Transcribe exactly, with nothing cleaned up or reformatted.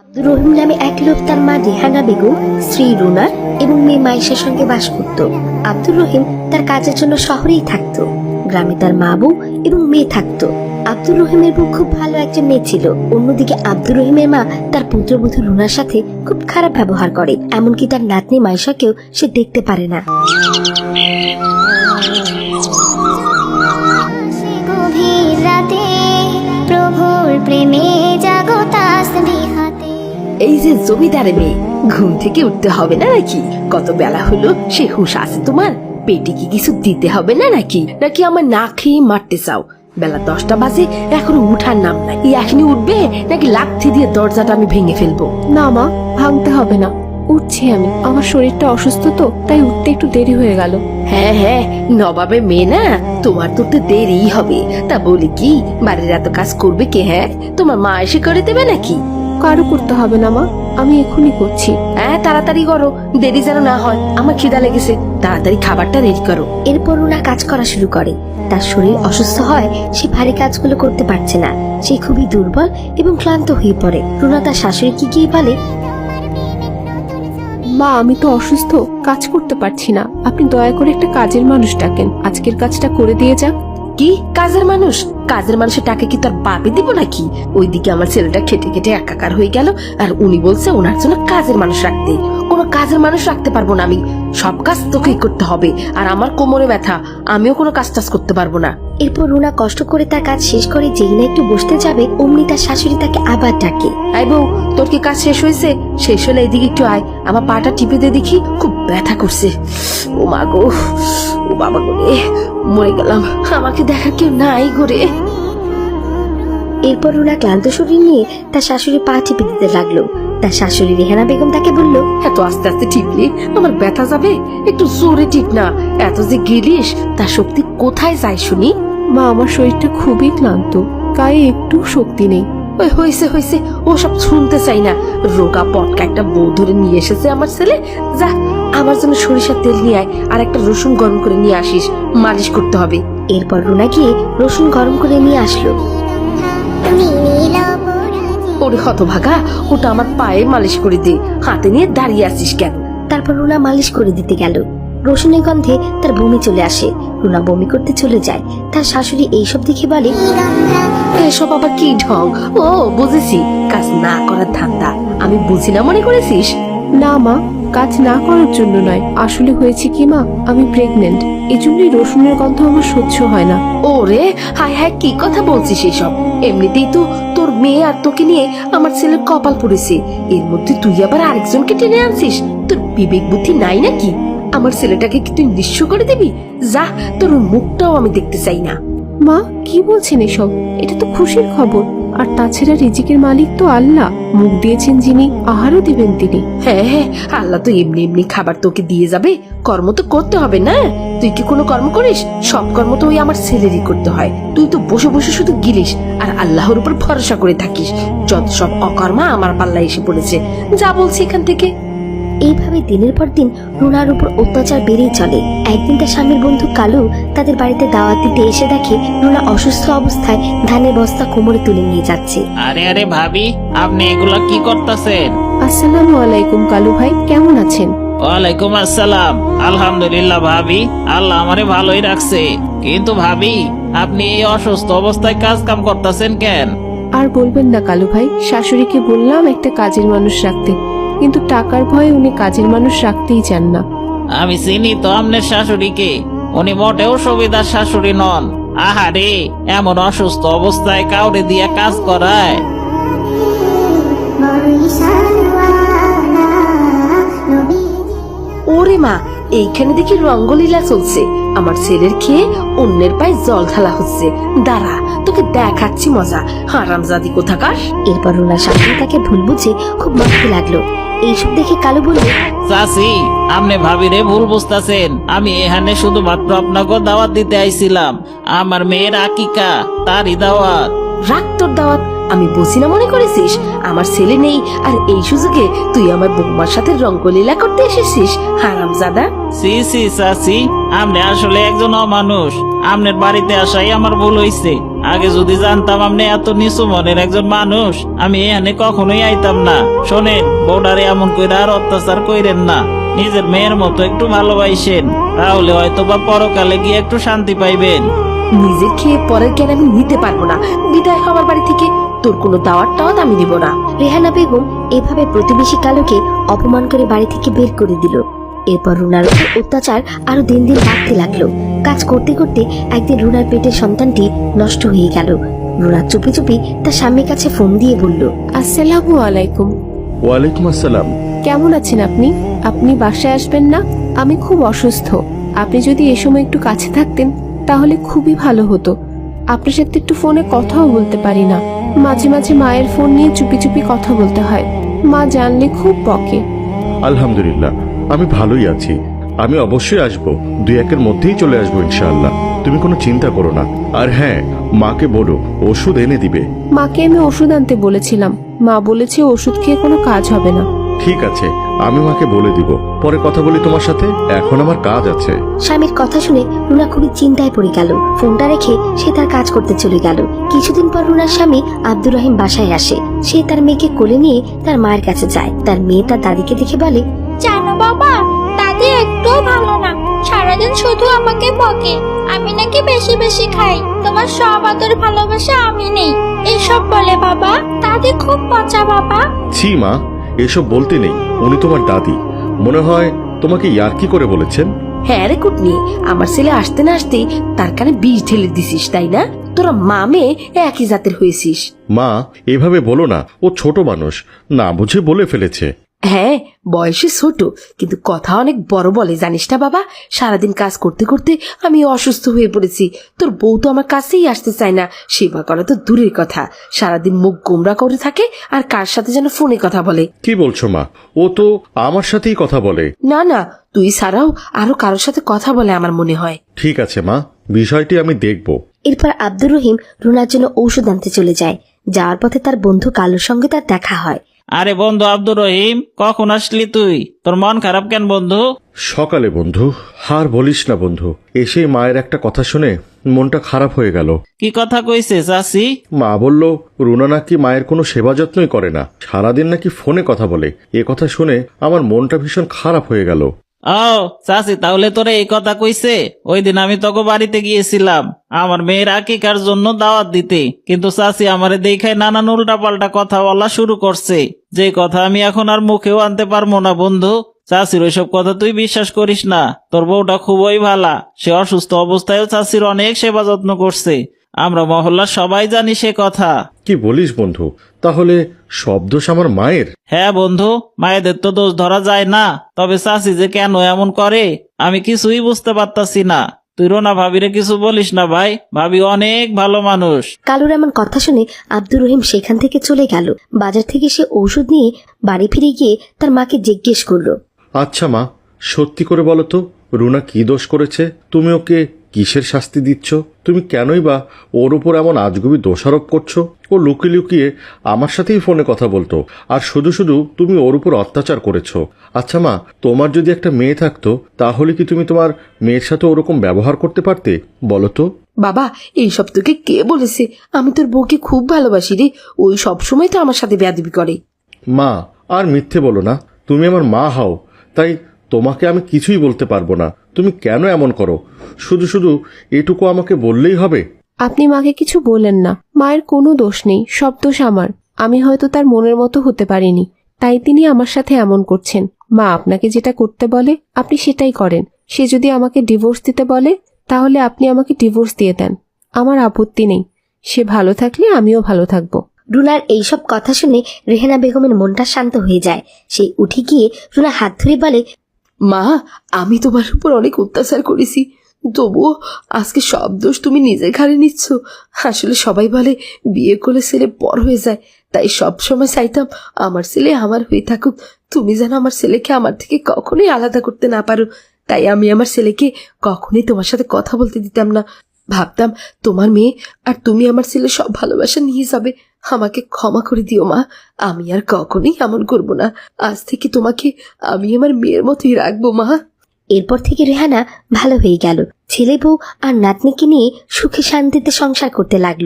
রহিম নামে এক লোক তার মা রেহানা বেগম, স্ত্রী রুনা এবং মেয়ে মাইশার সঙ্গে বাস করত। আব্দুর রহিম তার কাজের জন্য শহরেই থাকতো। গ্রামে তার মা বউ এবং মেয়ে থাকতো। আব্দুর রহিমের বউ খুব ভালো একজন মেয়ে ছিল। অন্যদিকে আব্দুর রহিমের মা তার পুত্রবধূ রুনার সাথে খুব খারাপ ব্যবহার করে, এমনকি তার নাতনি মাইশাকেও সে দেখতে পারে না। এই যে জমিদারে মেয়ে, ঘুম থেকে উঠতে হবে না নাকি? কত বেলা হলো, সে হুঁশ আছে তোমার? পেটে কি কিছু দিতে হবে না নাকি? নাকি আমার না খেয়ে মারতে চাও? বেলা দশটা বাজে, এখনো উঠার নাম নাই। এখনই উঠবে নাকি লাথি দিয়ে দরজাটা আমি ভেঙে ফেলবো? না মা, ভাঙতে হবে না, উঠছি আমি। আমার শরীরটা অসুস্থ তো, তাই উঠতে একটু দেরি হয়ে গেল। হ্যাঁ হ্যাঁ, নবাবের মেয়ে না, তোমার তো দেরিই হবে। তা বলি কি, বাড়ির এত কাজ করবে কে? হ্যাঁ, তোমার মা এসে করে দেবে নাকি? কারো করতে হবে না মা, আমি এখনই করছি। হ্যাঁ, তাড়াতাড়ি করো, দেরি যেন না হয়। আমার খিদা লেগেছে, তাড়াতাড়ি খাবারটা রেডি করো। এরপর রুনা কাজ করা শুরু করে। তার শরীর অসুস্থ হয়, সে ভারী কাজগুলো করতে পারছে না। সে খুবই দুর্বল এবং ক্লান্ত হয়ে পড়ে। রুনা তার শাশুড়িকে গিয়ে বলে, মা, আমি তো অসুস্থ, কাজ করতে পারছি না। আপনি দয়া করে একটা কাজের মানুষ ডাকেন, আজকের কাজটা করে দিয়ে যাক। কি কাজের মানুষ? কাজের মানুষের টাকা কি তোর বাপে দিব নাকি? ওইদিকে আমার ছেলেটা খেটে খেটে একাকার হয়ে গেল, আর উনি বলছে ওনার জন্য কাজের মানুষ রাখতে। কোনো কাজের মানুষ রাখতে পারবো না আমি। সব কাজ তোকেই করতে হবে, আর আমার কোমরে ব্যথা, আমিও কোনো কাজ টাজ করতে পারবো না। এরপর রুনা কষ্ট করে তার কাজ শেষ করে যেই না একটু বসতে যাবে, অমনি তার শাশুড়ি তাকে আবার ডাকে। আই বউ, তোর কি কাজ শেষ হয়েছে? শেষ হলে এদিকে একটু আয়, আমার পাটা টিপে দিয়ে দেখি, খুব ব্যথা করছে। ও মা গো, ও বাবা গো রে, মরে গেলাম, আমাকে দেখার কেউ নাই গো। এরপর রুনা ক্লান্ত শরীর নিয়ে তার শাশুড়ি পা টিপে দিতে লাগলো। তার শাশুড়ি রেহানা বেগম তাকে বলল, এত আস্তে আস্তে টিপলে আমার ব্যথা যাবে, একটু জোরে টিপ না। এত যে গেলিস, তার শক্তি কোথায় যায় শুনি? মা, আমার শরীরটা খুবই ক্লান্ত, গায়ে একটু শক্তি নেই। ওই হয়েছে হয়েছে, ও সব শুনতে চাই না। রোগা পটকা একটা বউ ধরে নিয়ে এসেছে আমার ছেলে। যা, আমার জন্য সরিষার তেল নিয়ে আয়, আর একটা রসুন গরম করে নিয়ে আসিস, মালিশ করতে হবে। এরপর রুনা গিয়ে রসুন গরম করে নিয়ে আসলো। ওরে হতভাগা, ওটা আমার পায়ে মালিশ করে দে, হাতে নিয়ে দাঁড়িয়ে আছিস কেন? তারপর রুনা মালিশ করে দিতে গেল। রসুনের গন্ধে তার বমি চলে আসে। রুনা বমি করতে চলে যায়। তার শাশুড়ি এইসব দেখে বলে, এসব আবার কি ঢং? ও বুঝেছি, কাজ না করার ধান্দা। আমি বুঝি না মনে করেছিস? না মা, কাজ না করার জন্য নয়, আসলে হয়েছে কি মা, আমি প্রেগনেন্ট, এই জন্যই রসুনের গন্ধ আমার সহ্য হয় না। ওরে হায় হায়, কি কথা বলছিস এসব? এমনিতেই তো তোর মেয়ে আর তোকে নিয়ে আমার ছেলের কপাল পড়েছে, এর মধ্যে তুই আবার আরেকজনকে টেনে আনছিস। তোর বিবেক বুদ্ধি নাই নাকি? আমার ছেলেটাকে কি তুই নিঃস্ব করে দিবি? যা, তোর মুখটাও আমি দেখতে চাই না। মা, কি বলছেন এসব? এটা তো খুশির খবর, আর তাছাড়া রিজিকের মালিক তো আল্লাহ, মুখ দিয়েছেন যিনি, আহারও দিবেন তিনি। হ্যাঁ হ্যাঁ, আল্লাহ তো এমনি এমনি খাবার তোকে দিয়ে যাবে, কর্ম তো করতে হবে না? তুই কি কোনো কর্ম করিস? সব কর্ম তো ওই আমার ছেলেরই করতে হয়। তুই তো বসে বসে শুধু গিলিস আর আল্লাহর উপর ভরসা করে থাকিস। যত সব অকর্মা আমার পাল্লা এসে পড়েছে, যা বলছি এখান থেকে। এইভাবে দিনের পর দিন রুনার উপর অত্যাচার বেড়েই চলে। একদিন তার স্বামীর বন্ধু কালু তাদের বাড়িতে দাওয়াত দিতে এসে দেখে রুনা অসুস্থ অবস্থায় ধানের বস্তা কোমরে তুলে নিয়ে যাচ্ছে। আরে আরে ভাবি, আপনি এগুলা কি করতেছেন? আসসালামু আলাইকুম কালু ভাই, কেমন আছেন? ওয়ালাইকুম আসসালাম। আলহামদুলিল্লাহ ভাবি, আল্লাহ আমারে ভালোই রাখছে। কিন্তু ভাবি, আপনি এই অসুস্থ অবস্থায় কাজ কাম করতেছেন কেন? আর বলবেন না কালু ভাই, শাশুড়িকে বললাম একটা কাজের মানুষ রাখতে, কিন্তু টাকার ভয়ে উনি কাজের মানুষ রাখতেই চান না। আমি চিনি তো আপনার শাশুড়িকে, উনি মোটেও সুবিধার শাশুড়ি নন। আহারে, এমন অসুস্থ অবস্থায় কাউরে দিয়ে কাজ করায়। ওরে মা, এইখানে দেখি রঙ্গলীলা চলছে। আমার ছেলের খেয়ে অন্যের পায়ে জল ঢালা হচ্ছে। দাঁড়া, তোকে দেখাচ্ছি মজা, হারামজাদি কোথাকার। এরপর রুনার শাশুড়ি তাকে ভুল বুঝে খুব মারতে লাগলো। এইসব দেখে কালু বলল, চাচি, আপনি ভাবিরে ভুল বুঝতেছেন। আমি এখানে শুধুমাত্র আপনাকে দাওয়াত দিতে আইছিলাম, আমার মেয়ের আকিকা, তারই দাওয়াত। রাখ তোর দাওয়াত, আমি বুঝি না মনে করেছিস? আমার ছেলে নেই, আর এই সুযোগে তুই আমার বৌমার সাথে রঙ্গলীলা করতে এসেছিস, হারামজাদা। সি সি চাচি, আপনি আসলে একজন অমানুষ। আপনার বাড়িতে আসাই আমার ভুল হইছে। আগে যদি জানতাম আপনি এত নিচু মনের একজন মানুষ, আমি এখানে কখনোই আইতাম না। শোনেন, বউডারে এমন কইরা আর অত্যাচার কইরেন না। নিজের মেয়ের মতো একটু ভালোবাসেন, তাহলে হয়তো বা পরকালে গিয়ে একটু শান্তি পাইবেন। নিজের খেয়ে পরের জ্ঞান আমি নিতে পারবো না। বিদায় হওয়ার বাড়ি থেকে তোর কোনো দাওয়াত টাওয়াত আমি দিব না। রেহানা বেগম এভাবে প্রতিবেশী কালোকে অপমান করে বাড়ি থেকে বের করে দিল। এরপর রুনার উপর অত্যাচার আরো দিন দিন বাড়তে লাগলো। কাজ করতে করতে একদিন রুনার পেটের সন্তানটি নষ্ট হয়ে গেল। রুনা চুপি চুপি তার স্বামীর কাছে ফোন দিয়ে বলল, আসসালামু আলাইকুম। ওয়ালাইকুম আসসালাম। কেমন আছেন আপনি? আপনি বাসায় আসবেন না? আমি খুব অসুস্থ। আপনি যদি এ সময় একটু কাছে থাকতেন তাহলে খুবই ভালো হতো। আপনার সাথে একটু ফোনে কথাও বলতে পারি না। মাঝে মাঝে মায়ের ফোন নিয়ে চুপি চুপি কথা বলতে হয়। মা জানলে খুব বকে। আলহামদুলিল্লাহ, আমি ভালোই আছি। আমি অবশ্যই আসবো, দুই একের মধ্যেই চলে আসবো ইনশাআল্লাহ। তুমি কোনো চিন্তা করো না। আর হ্যাঁ, মাকে বলো ওষুধ এনে দিবে। মাকে আমি ওষুধ আনতে বলেছিলাম, মা বলেছে ওষুধ খেয়ে কোনো কাজ হবে না। ঠিক আছে, আমি মাকে বলে দিব। পরে কথা বলি তোমার সাথে, এখন আমার কাজ আছে। স্বামীর কথা শুনে রুনা খুবই চিন্তায় পড়ে গেল। ফোনটা রেখে সে তার কাজ করতে চলে গেল। কিছুদিন পর রুনার স্বামী আব্দুর রহিম বাসায় আসে। সে তার মেয়েকে কোলে নিয়ে তার মায়ের কাছে যায়। তার মেয়ে তার দাদিকে দেখে বলে, জানো বাবা, দাদি একটু ভালো না, সারাদিন শুধু আমাকে বকে। আমি নাকি বেশি বেশি খাই, তোমার সব আদর ভালোবাসা আমি নেই, এসব বলে বাবা। দাদি খুব পচা বাবা। ছি মা, এসব বলতে নেই। উনি তোমার দাদি, মনে হয় তোমাকে ইয়ার্কি করে বলেছেন। হ্যাঁ রে কুটনি, আমার ছেলে আসতে না আসতেই তার কানে বিষ ঢেলে দিছিস, তাই না? তোরা মা মেয়ে একই জাতের হয়েছিস। মা, এভাবে বলো না, ও ছোট মানুষ, না বুঝে বলে ফেলেছে। হ্যাঁ, বয়সে ছোট কিন্তু কথা অনেক বড় বলে, জানিস না বাবা? সারাদিন কাজ করতে করতে আমি অসুস্থ হয়ে পড়েছি। তোর বউ তো আমার কাছেই আসতে চায় না, সেবা করা তো দূরের কথা। সারাদিন মুখ গোমরা করে থাকে আর কার সাথে যেন ফোনে কথা বলে। কি বলছো মা? ও তো আমার সাথেই কথা বলে। না না, তুই ছাড়াও আরো কারোর সাথে কথা বলে আমার মনে হয়। ঠিক আছে মা, বিষয়টি আমি দেখব। এরপর আব্দুর রহিম রুনার জন্য ঔষধ আনতে চলে যায়। যাওয়ার পথে তার বন্ধু কালুর সঙ্গে তার দেখা হয়। আরে বন্ধু আব্দুর রহিম, কখন আসলি তুই? তোর মন খারাপ কেন বন্ধু? সকালে বন্ধু, হার বলিস না বন্ধু, এসে মায়ের একটা কথা শুনে মনটা খারাপ হয়ে গেল। কি কথা কইছে চাচি? মা বলল রুনা নাকি মায়ের কোনো সেবা যত্নই করে না, সারাদিন নাকি ফোনে কথা বলে। এ কথা শুনে আমার মনটা ভীষণ খারাপ হয়ে গেল। ও চাচি, তাহলে তোরে এই কথা কইছে? ওই দিন আমি তোকে বাড়িতে গিয়েছিলাম আমার মেয়ের আকিকার জন্য দাওয়াত দিতে, কিন্তু চাচি আমারে দেখায় নানান উল্টা পাল্টা কথা বলা শুরু করছে, যে কথা আমি এখন আর মুখেও আনতে পারবো না বন্ধু। চাচির ওইসব কথা তুই বিশ্বাস করিস না। তোর বউটা খুবই ভালা, সে অসুস্থ অবস্থায়ও চাচির অনেক সেবা যত্ন করছে। আমরা মহল্লার সবাই জানি সে কথা। কি বলিস বন্ধু? তাহলে সব দোষ আমার মায়ের? হ্যাঁ বন্ধু, মায়েদের তো দোষ ধরা যায় না, তবে চাচি যে কেন এমন করে আমি কিছুই বুঝতে পারতাছি না। তুই রোনা ভাবিরে কিছু বলিস না ভাই, ভাবি অনেক ভালো মানুষ। কালুর এমন কথা শুনে আব্দুর রহিম সেখান থেকে চলে গেল। বাজার থেকে সে ঔষধ নিয়ে বাড়ি ফিরে গিয়ে তার মাকে জিজ্ঞেস করলো, আচ্ছা মা, সত্যি করে বলো তো, রুনা কি দোষ করেছে? তুমি ওকে কিসের শাস্তি দিচ্ছ? তুমি কেনই বা ওর উপর এমন আজগুবি দোষারোপ করছো? ও লুকিয়ে লুকিয়ে আমার সাথেই ফোনে কথা বলতো, আর শুধু শুধু তুমি ওর উপর অত্যাচার করেছো। আচ্ছা মা, তোমার যদি একটা মেয়ে থাকতো তাহলে কি তুমি তোমার মেয়ের সাথে ওরকম ব্যবহার করতে পারতে? বলো তো। বাবা, এইসব তোকে কে বলেছে? আমি তোর বউকে খুব ভালোবাসি রে, ওই সব সময় তো আমার সাথে বেয়াদবি করে। মা, আর মিথ্যে বলো না। তুমি আমার মা হও, তাই তোমাকে আমি কিছুই বলতে পারবো না। তুমি কেন এমন করো? শুধু শুধু এটুকু আমাকে বললেই হবে? আপনি মাকে কিছু বলেন না, মায়ের কোনো দোষ নেই, সব দোষ আমার। আমি হয়তো তার মনের মতো হতে পারিনি, তাই তিনি আমার সাথে এমন করছেন। মা আপনাকে যেটা করতে বলে আপনি সেটাই করেন। সে যদি আমাকে ডিভোর্স দিতে বলে তাহলে আপনি আমাকে ডিভোর্স দিয়ে দেন, আমার আপত্তি নেই। সে ভালো থাকলে আমিও ভালো থাকবো। রুনার এইসব কথা শুনে রেহানা বেগমের মনটা শান্ত হয়ে যায়। সে উঠে গিয়ে রুনা হাত ধরে বলে, মা, আমি তোমার উপর অনেক অত্যাচার করেছি, তবুও আজকে সব দোষ তুমি নিজের ঘাড়ে নিচ্ছ। আসলে সবাই বলে বিয়ে করলে ছেলে পর হয়ে যায়, তাই সব সময় চাইতাম আমার ছেলে আমার হয়ে থাকুক। তুমি যেন আমার ছেলেকে আমার থেকে কখনোই আলাদা করতে না পারো, তাই আমি আমার ছেলেকে কখনোই তোমার সাথে কথা বলতে দিতাম না। ভাবতাম তোমার মেয়ে আর তুমি আমার ছেলে সব ভালোবাসা নিয়ে যাবে। আমাকে ক্ষমা করে দিও মা, আমি আর কখনোই এমন করব না। আজ থেকে তোমাকে আমি আমার মেয়ের মতোই রাখবো মা। এরপর থেকে রেহানা ভালো হয়ে গেল। ছেলে বউ আর নাতনিকে নিয়ে সুখে শান্তিতে সংসার করতে লাগলো।